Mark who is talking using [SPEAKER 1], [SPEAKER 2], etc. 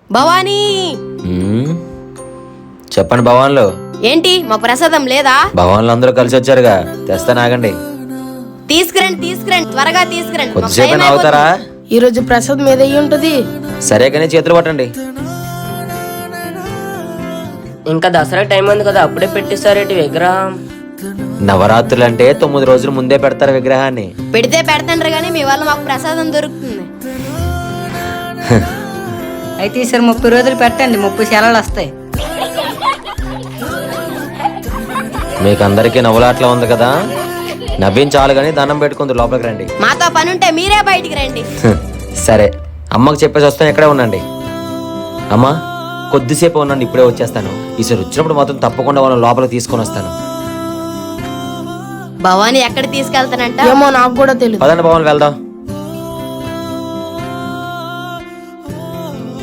[SPEAKER 1] భవానీ
[SPEAKER 2] చెప్పండి భవాన్లు.
[SPEAKER 1] ఏంటి మా ప్రసాదం లేదా?
[SPEAKER 2] భవాన్లు అందరూ కలిసి వచ్చారుగా, తెస్తాను ఆగండి.
[SPEAKER 1] తీసుకురండి త్వరగా తీసుకురండి. మాకు
[SPEAKER 2] కొద్దిసేపు
[SPEAKER 1] టైం
[SPEAKER 2] అవుతారా?
[SPEAKER 3] ఈ రోజు ప్రసాద్ మీద అయ్యి ఉంటది.
[SPEAKER 2] సరే కానీ చేతులు పట్టండి.
[SPEAKER 4] ఇంకా దసరా టైం ఉంది కదా, అప్పుడే పెట్టిస్తారేటి విగ్రహం?
[SPEAKER 2] నవరాత్రులు అంటే 9 రోజులు ముందే పెడతారు విగ్రహాన్ని.
[SPEAKER 1] పెడితే పెడతాండ్రు గానీ మీ వల్ల మాకు ప్రసాదం దొరుకుతుంది.
[SPEAKER 5] అయితే ఈసారి 30 రోజులు పెట్టండి, 30 సెలవులు వస్తాయి.
[SPEAKER 2] మీకు అందరికీ నవ్వులాట్లా ఉంది కదా, నవ్వించాలి కానీ దండం పెట్టుకుంది లోపలికి రండి.
[SPEAKER 1] మాతో పని ఉంటే మీరే బయటికి రండి.
[SPEAKER 2] సరే అమ్మకు చెప్పేసి వస్తాను, ఇక్కడే ఉండండి. అమ్మా కొద్దిసేపు ఉండండి, ఇప్పుడే వచ్చేస్తాను. ఈసారి వచ్చినప్పుడు మాత్రం తప్పకుండా వాళ్ళని లోపలికి తీసుకొని వస్తాను.
[SPEAKER 1] భవానీ ఎక్కడ తీసుకెళ్తానంట?
[SPEAKER 3] ఏమో నాకు కూడా తెలియదు.
[SPEAKER 2] పదండి భవన్ వెళ్దాం.